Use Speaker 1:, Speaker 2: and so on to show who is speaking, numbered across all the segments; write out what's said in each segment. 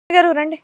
Speaker 1: గారు రండి.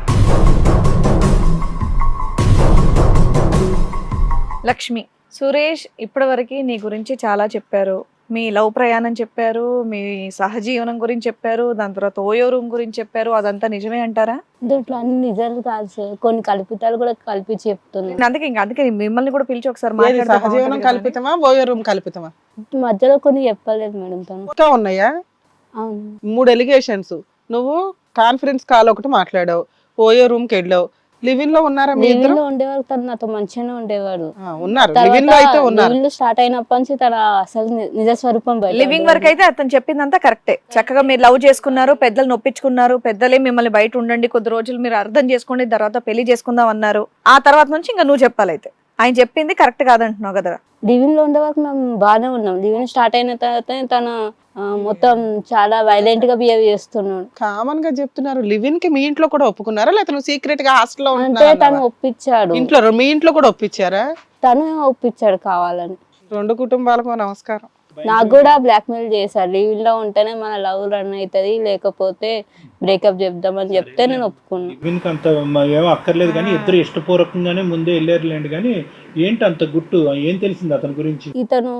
Speaker 1: లక్ష్మి, సురేష్ ఇప్పటివరకు నీ గురించి చాలా చెప్పారు. మీ లవ్ ప్రయాణం చెప్పారు, మీ సహజీవనం గురించి చెప్పారు, దాని తర్వాత ఓయో రూమ్ గురించి చెప్పారు. అదంతా నిజమే అంటారా?
Speaker 2: దీంట్లో అన్ని నిజాలు కాదు సార్, కొన్ని కల్పితాలు కూడా కలిపి చెప్తున్నాను.
Speaker 1: అందుకే మిమ్మల్ని కూడా పిలిచి ఒకసారి
Speaker 3: ఏది సహజీవనం కల్పితమా ఓయో రూమ్ కల్పితమా?
Speaker 2: మధ్యలో కొన్ని చెప్పలేదు మేడం తను.
Speaker 3: ఇంకా ఉన్నాయా?
Speaker 2: అవును.
Speaker 3: 3 ఎలిగేషన్స్. నువ్వు కాన్ఫరెన్స్ కాల్ ఒకటి మాట్లాడావు, ఓయో రూమ్ కి వెళ్ళావు. లివిన్ లో ఉన్నారా మీ ఇద్దరు?
Speaker 2: లివింగ్ లో ఉండేవాడు, తను నాతో మంచిగానే ఉండేవాడు.
Speaker 3: ఉన్నారు, లివిన్ లో అయితే ఉన్నారు.
Speaker 2: లివింగ్ లో స్టార్ట్ అయినప్పటి నుంచి తన అసలు నిజ స్వరూపం బయట
Speaker 1: లివింగ్ వరకు అయితే అతను చెప్పిందంతా కరెక్టే. చక్కగా మీరు లవ్ చేసుకున్నారు, పెద్దలు నొప్పించుకున్నారు, పెద్దలే మిమ్మల్ని బయట ఉండండి కొద్ది రోజులు మీరు అర్థం చేసుకోండి, తర్వాత పెళ్లి చేసుకుందాం అన్నారు. ఆ తర్వాత నుంచి ఇంకా నువ్వు చెప్పాలైతే ఆయన చెప్పింది కరెక్ట్ కాదంటున్నావు కదా.
Speaker 2: లివింగ్ లో ఉండే వరకు మేము బాగానే ఉన్నాం. లివింగ్ స్టార్ట్ అయిన తర్వాత తను మొత్తం చాలా వైలెంట్ గా బిహేవ్ చేస్తున్నాడు.
Speaker 3: కామన్ గా చెప్తున్నారు. లివిన్ కి మీ ఇంట్లో కూడా ఒప్పుకున్నారా, లేకపోతే నువ్వు సీక్రెట్ గా హాస్టల్ లో
Speaker 2: అంటే తను ఒప్పించాడు.
Speaker 3: ఇంట్లో మీ ఇంట్లో కూడా ఒప్పించారా?
Speaker 2: తను ఒప్పించాడు కావాలని.
Speaker 3: 2 కుటుంబాలకు నమస్కారం.
Speaker 2: నాకు కూడా బ్లాక్ మెయిల్ చేశారు, లివింగ్ లో ఉంటేనే మన లవ్ రన్ అవుతుంది, లేకపోతే బ్రేకప్ చెప్దామని చెప్తే నేను ఒప్పుకున్నాను.
Speaker 4: లివిన్కి అంత ఏమో అక్కర్లేదు కానీ ఇద్దరు ఇష్టపూర్వకంగానే ముందే వెళ్ళారులేండి. కానీ ఏంటి అంత గుట్టు, ఏం తెలిసింది అతని గురించి?
Speaker 2: ఇతను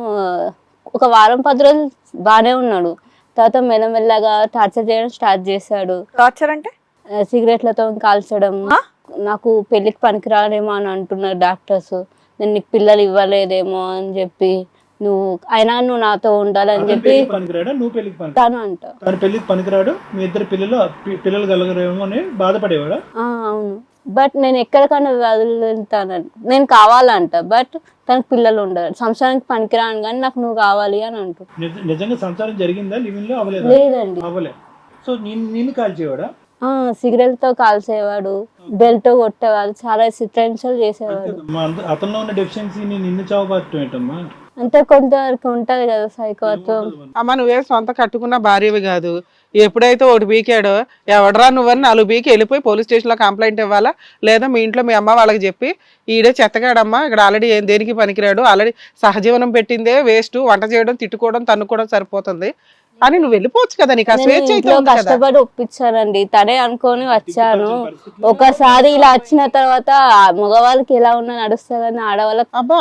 Speaker 2: ఒక వారం 10 రోజులు బాగానే ఉన్నాడు, తర్వాత మెల్లమెల్లగా టార్చర్ చేయడం స్టార్ట్ చేశాడు.
Speaker 1: టార్చర్ అంటే
Speaker 2: సిగరెట్లతో కాల్చడం. నాకు పెళ్లికి పనికిరాలేమో అని అంటున్నారు డాక్టర్స్. నేను నీకు పిల్లలు ఇవ్వలేదేమో అని చెప్పి, నువ్వు నాతో ఉండాలని చెప్పి
Speaker 4: పనికిరాడా, నువ్వు పెళ్లికి పనికి
Speaker 2: తను అంట.
Speaker 4: తను పెళ్లికి పనికిరాడు, మీ ఇద్దరు పిల్లలు కలగరేమో అని బాధపడేవాడా?
Speaker 2: అవును, బట్ నేను ఎక్కడికన్నా వదులుతాను, నేను కావాలంట. బట్ తనకు పిల్లలు ఉండరు, సంసారానికి పనికిరాను కానీ నాకు నువ్వు కావాలి అని అంటూ.
Speaker 4: నిజంగా సంసారం జరిగిందా లివిన్ లో? అవ్వలేదు.
Speaker 2: లేదండి.
Speaker 4: అవ్వలే. సో నిన్ను కాల్చేవాడా?
Speaker 2: సిగరెట్ తో కాల్చేవాడు, బెల్ట్ తో కొట్టేవాడు, చాలా చిత్రహింసలు చేసేవాడు.
Speaker 4: అతనిలో ఉన్న డెఫిషియన్సీని నిన్ను చావబారటం ఏంటమ్మా?
Speaker 2: అంటే కొంతవరకు ఉంటది కదా సైకోత్వం.
Speaker 3: అమ్మ, నువ్వే సొంత కట్టుకున్న భార్యవి కాదు. ఎప్పుడైతే ఒకటి బీకాడో ఎవడరా నువ్వని 4 బీకి వెళ్ళిపోయి పోలీస్ స్టేషన్ లో కంప్లైంట్ ఇవ్వాలా, లేదా మీ ఇంట్లో మీ అమ్మ వాళ్ళకి చెప్పి ఈడే చెత్తగాడమ్మా, ఇక్కడ ఆల్రెడీ దేనికి పనికిరాడు, ఆల్రెడీ సహజీవనం పెట్టిందే వేస్ట్, వంట చేయడం తిట్టుకోవడం తన్నుకోవడం సరిపోతుంది అని నువ్వు వెళ్ళిపోవచ్చు కదా. నీకు ఆ స్వేచ్ఛ అయితే ఉంది కదా.
Speaker 2: కష్టపడి ఒప్పించానండి, తనే అనుకొని వచ్చాను. ఒకసారి ఇలా వచ్చిన తర్వాత మగవాళ్ళకి ఎలా ఉన్నా నడుస్తా కానీ ఆడవాళ్ళకి
Speaker 3: అబ్బా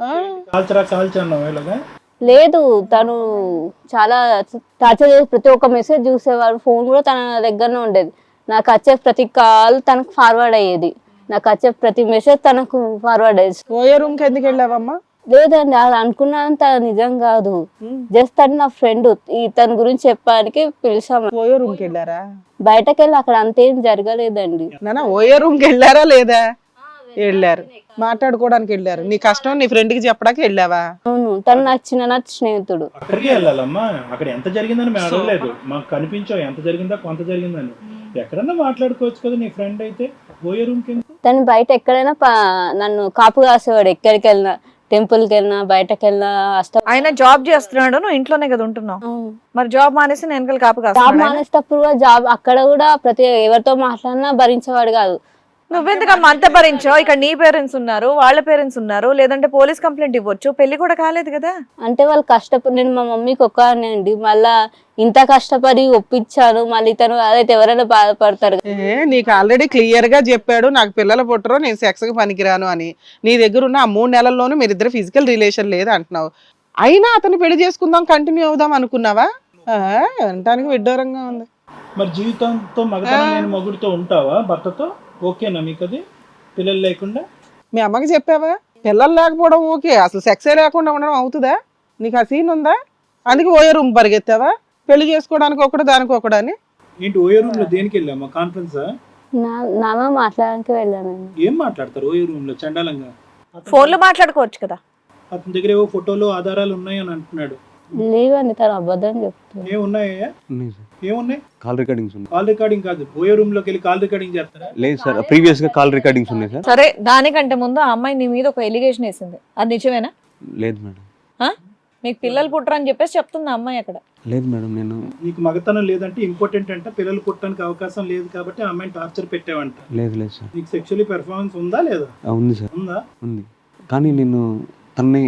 Speaker 2: లేదు. తను చాలా టార్చర్ చేసి ప్రతి ఒక్క మెసేజ్ చూసేవాడు, ఫోన్ కూడా తన దగ్గరనే ఉండేది. నాకు వచ్చే ప్రతి కాల్ తనకు ఫార్వర్డ్ అయ్యేది, నాకు వచ్చే ప్రతి మెసేజ్ తనకు ఫార్వర్డ్ అయ్యేది.
Speaker 3: ఓయో రూమ్ కి ఎందుకు వెళ్ళావమ్మా?
Speaker 2: లేదండి, అది అనుకున్నంత నిజం కాదు. జస్ట్ తను నా ఫ్రెండ్, తన గురించి చెప్పడానికి పిలిచాము.
Speaker 3: ఓయో రూమ్ కి వెళ్ళారా?
Speaker 2: బయటకు వెళ్ళి అక్కడ అంతేం జరగలేదండి.
Speaker 3: నాన్న ఓయో రూమ్ కి వెళ్ళారా లేదా? వెళ్ళారు, మాట్లాడుకోవడానికి వెళ్ళారు. నీ కష్టం నీ ఫ్రెండ్ కి చెప్పడానికి వెళ్ళావా?
Speaker 2: అవును, తను నాకు చిన్న స్నేహితుడు.
Speaker 4: అక్కడికి వెళ్ళాలమ్మా, అక్కడ ఎంత జరిగిందని మేము అడగలేదు, మాకు కనిపించావు ఎంత జరిగిందా కొంత జరిగిందని. ఎక్కడన్నా మాట్లాడుకోవచ్చు కదా, నీ ఫ్రెండ్ అయితే ఓయో రూమ్ కి.
Speaker 2: తను బయట ఎక్కడైనా నన్ను కాపు కాసేవాడు, ఎక్కడికి వెళ్ళినా, టెంపుల్ కి వెళ్ళినా, బయటకు వెళ్ళినా.
Speaker 1: ఆయన జాబ్ చేస్తున్నాడు, నువ్వు ఇంట్లోనే కదా ఉంటున్నావు. మరి జాబ్ మానేసి నేను వెనకాల కాపు
Speaker 2: జాబ్
Speaker 1: కాస్తున్నాడు.
Speaker 2: మానేసేటప్పుడు కూడా అక్కడ కూడా ఎవరితో మాట్లాడినా భరించేవాడు కాదు.
Speaker 1: నువ్వెందుకమ్మా అంత భరించావు? ఇక్కడ నీ పేరెంట్స్ ఉన్నారు, వాళ్ళ పేరెంట్స్ ఉన్నారు, లేదంటే పోలీస్ కంప్లైంట్ ఇవ్వచ్చు. పెళ్లి కూడా కాలేదు కదా.
Speaker 2: అంటే వాళ్ళు కష్టపడి, నేను మా మమ్మీకి ఒక్కనే అండి, మళ్ళా ఇంత కష్టపడి ఒప్పించాను, మళ్ళీ తను అదైతే ఎవరైనా బాధపడతారు.
Speaker 3: నీకు ఆల్రెడీ క్లియర్ గా చెప్పాడు, నాకు పిల్లలు పుట్టరు, నేను సెక్స్ కి పనికిరాను అని. నీ దగ్గర ఉన్న ఆ 3 నెలల్లోనూ మీరిద్దరు ఫిజికల్ రిలేషన్ లేదు అంటున్నావు. అయినా అతను పెళ్లి చేసుకుందాం, కంటిన్యూ అవుదాం అనుకున్నావా? అనటానికి విడ్డూరంగా ఉంది.
Speaker 4: మరి జీవితంతో మగతనం లేని మొగుడితో ఉంటావా భర్తతో? ఓకేనా మీకు అది? పిల్లలు లేకుండా
Speaker 3: మీ అమ్మకి చెప్పావా? పిల్లలు లేకపోవడం ఓకే, అసలు సెక్సే లేకుండా ఉండడం అవుతుందా? నీకు ఆ సీన్ ఉందా? అందుకే ఓయో రూమ్ పరిగెత్తావా? పెళ్లి చేసుకోవడానికి ఒకటి దానికి ఒకటి అని.
Speaker 4: ఏంటి ఓయో రూమ్ లో దేనికి వెళ్ళామా? కాన్ఫరెన్స్
Speaker 2: నాన్న మాట్లాడడానికి వెళ్ళాను.
Speaker 4: ఏం మాట్లాడతారు ఓయో రూమ్ లో? చండాలంగా
Speaker 1: ఫోన్ లో మాట్లాడుకోవచ్చు కదా.
Speaker 4: అతని దగ్గర ఏవో ఫోటోలు ఆధారాలు ఉన్నాయని అంటున్నాడు.
Speaker 2: లేవండి, తను అబద్ధం చెప్తాను.
Speaker 4: ఏమున్నాయా? ఏమున్నాయి?
Speaker 5: కాల్ రికార్డింగ్స్ ఉన్నాయి.
Speaker 4: కాల్ రికార్డింగ్ కాదు, ఓయో రూమ్ లోకి వెళ్ళి కాల్ రికార్డింగ్ చేస్తారా?
Speaker 5: లేదు సార్, ప్రీవియస్ గా కాల్ రికార్డింగ్స్ ఉన్నాయి సార్.
Speaker 1: సరే, దానికంటే ముందు ఆ అమ్మాయి నీ మీద ఒక ఎలిగేషన్ వేసింది, అది నిజమేనా?
Speaker 5: లేదు మేడం.
Speaker 1: మీకు పిల్లలు పుట్టరని చెప్పేసి చెప్తుంది ఆ అమ్మాయి అక్కడ.
Speaker 5: లేదు మేడం, నేను
Speaker 4: నీకు మగతనం లేదంటే ఇంపార్టెంట్ అంటే పిల్లలు పుట్టడానికి అవకాశం లేదు కాబట్టి ఆ అమ్మాయిని టార్చర్ పెట్టావంట.
Speaker 5: లేదు లేదు సార్.
Speaker 4: నీకు సెక్షువల్లీ పెర్ఫార్మెన్స్ ఉందా లేదా?
Speaker 5: ఉంది సార్.
Speaker 4: ఉందా?
Speaker 5: ఉంది. కానీ నేను తన్ని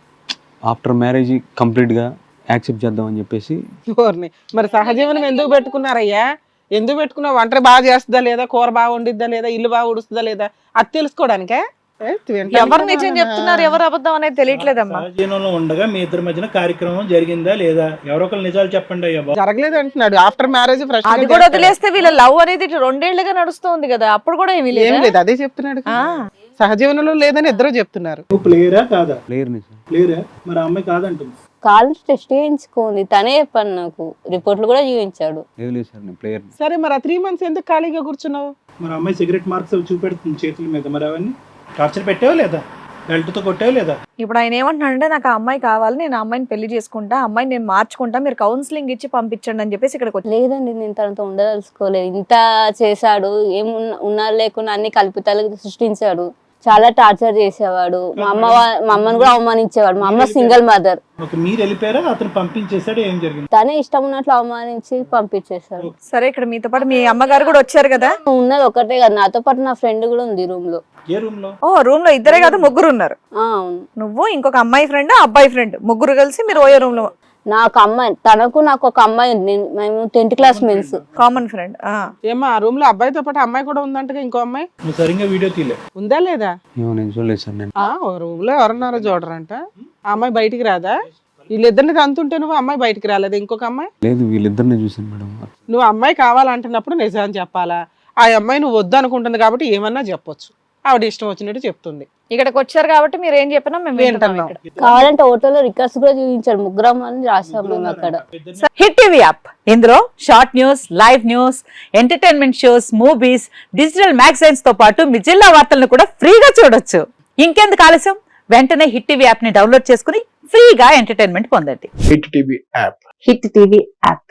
Speaker 5: ఆఫ్టర్ మ్యారేజ్ కంప్లీట్ గా యాక్సెప్ట్ చేద్దామని చెప్పేసి.
Speaker 3: మరి సహజీవనం ఎందుకు పెట్టుకున్నారయ్యా? ఎందుకు పెట్టుకున్నావు? వంట బాగా చేస్తుందా లేదా, కూర బాగా వండిద్దా లేదా, ఇల్లు బాగా ఉడుస్తుందా లేదా, అది తెలుసుకోవడానికే.
Speaker 1: ఎవరు నిజం చెప్తున్నారు ఎవరు అబద్ధం అనేది తెలియట్లేదమ్మా.
Speaker 4: సహజీవనంలో ఉండగా మీ ఇద్దరి మధ్యన కార్యక్రమం జరిగిందా లేదా? ఎవరో ఒకరు నిజాలు చెప్పండి అయ్యా బాబు.
Speaker 3: జరగలేదు అంటున్నాడు. ఆఫ్టర్ మ్యారేజ్ ఫ్రెష్
Speaker 1: అది కూడా వదిలేస్తే వీళ్ళ లవ్ అనేది 2 ఏళ్లుగా నడుస్తుంది కదా, అప్పుడు కూడా ఏమీ
Speaker 3: ఏం
Speaker 1: లేదు.
Speaker 3: లేదు, అదే చెప్తున్నాడు. సహజీవనంలో లేదని ఇద్దరు చెప్తున్నారు.
Speaker 4: నువ్వు ప్లేయరా కాదా?
Speaker 5: ప్లేయర్ని సార్.
Speaker 4: ప్లేయరా? మరి ఆ అమ్మాయి కాదంటుంది.
Speaker 2: కాలేజ్ టెస్ట్ చేయించుకోండి, తనే చెప్పాను నాకు, రిపోర్ట్లు కూడా చూపించాడు.
Speaker 5: లేదు సార్, నేను ప్లేయర్ని.
Speaker 3: సరే మరి ఆ 3 months ఎందుకు ఖాళీగా కూర్చున్నావు?
Speaker 4: మరి ఆ అమ్మాయి సిగరెట్ మార్క్స్ అవి చూపెడుతుంది చేతుల మీద, మరి అవన్నీ టార్చర్ పెట్టావా లేదా? బెల్ట్తో కొట్టావా లేదా?
Speaker 1: ఇప్పుడు ఆయన ఏమంటున్నాడంటే నాకు ఆ అమ్మాయి కావాలి, నేను ఆ అమ్మాయిని పెళ్లి చేసుకుంటా, ఆ అమ్మాయిని నేను మార్చుకుంటా, మీరు కౌన్సిలింగ్ ఇచ్చి పంపించండి అని చెప్పేసి ఇక్కడికి వచ్చి.
Speaker 2: లేదండి, నేను తనతో ఉండదలుచుకోలేదు. ఇంత చేశాడు, ఉన్నా లేకున్నా అన్ని కల్పితాలు సృష్టించాడు, చాలా టార్చర్ చేసేవాడు. మా అమ్మని కూడా అవమానించేవాడు. మా అమ్మ సింగిల్ మదర్.
Speaker 4: ఓకే, మీరు వెళ్ళిపోయారా, అతను పంపించేశాడు, ఏం జరిగింది?
Speaker 2: తనే ఇష్టం ఉన్నట్లు అవమానించి పంపించేశాడు.
Speaker 1: సరే, ఇక్కడ మీతో పాటు మీ అమ్మగారు కూడా వచ్చారు కదా.
Speaker 2: ఉన్నది ఒకటే కదా, నాతో పాటు నా ఫ్రెండ్ కూడా ఉంది రూమ్ లో.
Speaker 4: ఏ రూమ్ లో?
Speaker 1: ఓ, రూమ్ లో ఇద్దరే కాదు, ముగ్గురు ఉన్నారు.
Speaker 2: అవును,
Speaker 1: నువ్వు ఇంకొక అమ్మాయి ఫ్రెండ్, అబ్బాయి ఫ్రెండ్, ముగ్గురు కలిసి మీరు ఓయో రూమ్ లో.
Speaker 2: నాకు అమ్మాయి, నాకు ఒక అమ్మాయి ఉంది. మేము 10th class men's.
Speaker 1: Common friend.
Speaker 3: ఏమా ఆ రూమ్ లో అబ్బాయితో పాటు అమ్మాయి కూడా ఉందంటగా, ఇంకో అమ్మాయి
Speaker 4: నువ్వు సరిగ్గా వీడియో తీలే.
Speaker 3: ఉందా లేదా?
Speaker 5: ఏమో నేను చూడలేదు సార్. నేను
Speaker 3: రూమ్ లో ఎవరన్నారో చూడరంట. ఆ అమ్మాయి బయటికి రాదా? వీళ్ళిద్దరిని తంతుంటే నువ్వు అమ్మాయి బయటికి రాలేదు, ఇంకొక అమ్మాయి?
Speaker 5: లేదు, వీళ్ళిద్దరిని చూసాను మేడం.
Speaker 3: నువ్వు అమ్మాయి కావాలంటున్నప్పుడు నిజాన్ని చెప్పాలా? ఆ అమ్మాయి నువ్వు వద్దు అనుకుంటుంది కాబట్టి ఏమన్నా చెప్పొచ్చు. ఆవిడ ఇష్టం వచ్చినట్టు చెప్తుంది.
Speaker 1: ఇక్కడికి వచ్చారు కాబట్టి మీరు ఏం చెప్పినా మేము వింటున్నాం ఇక్కడ.
Speaker 2: కావాలంటే హోటల్లో రికార్డ్స్ కూడా చూపించాడు. ముగ్గురం అని రాసాం మేము అక్కడ.
Speaker 6: హిట్ టీవీ యాప్, ఇందులో short news, live news, entertainment shows, movies, digital magazines తో పాటు మీ జిల్లా వార్తలను కూడా ఫ్రీగా చూడొచ్చు. ఇంకెందుకు ఆలస్యం, వెంటనే హిట్ టీవీ యాప్ ని డౌన్లోడ్ చేసుకుని ఫ్రీగా ఎంటర్టైన్మెంట్ పొందండి.
Speaker 7: Hit TV app.
Speaker 6: Hit TV app.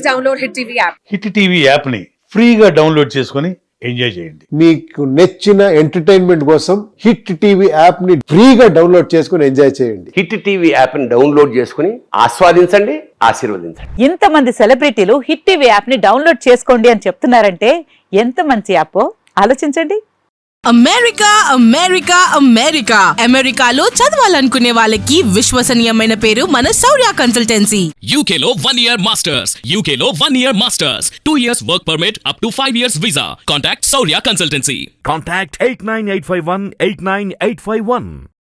Speaker 8: Hit TV యాప్ని ఫ్రీగా డౌన్లోడ్ చేసుకొని ఎంజాయ్ చేయండి.
Speaker 7: మీకు నచ్చిన ఎంటర్టైన్మెంట్ కోసం హిట్ టీవీ యాప్ ని ఫ్రీగా డౌన్లోడ్ చేసుకుని ఎంజాయ్ చేయండి.
Speaker 9: హిట్ టీవీ యాప్ ని డౌన్లోడ్ చేసుకుని ఆస్వాదించండి, ఆశీర్వదించండి.
Speaker 6: ఇంతమంది సెలబ్రిటీలు హిట్ టీవీ యాప్ ని డౌన్లోడ్ చేసుకోండి అని చెప్తున్నారంటే ఎంత మంచి యాప్ ఆలోచించండి.
Speaker 10: అమెరికా అమెరికా అమెరికా అమెరికాలో చదవాలనుకునే వాళ్ళకి విశ్వసనీయమైన పేరు మన శౌర్య కన్సల్టెన్సీ.
Speaker 11: UK లో 1 year masters, UK లో 1 year masters, 2 years work permit up to 5 years visa. Contact Saurya Consultancy.
Speaker 12: Contact 89851 89851.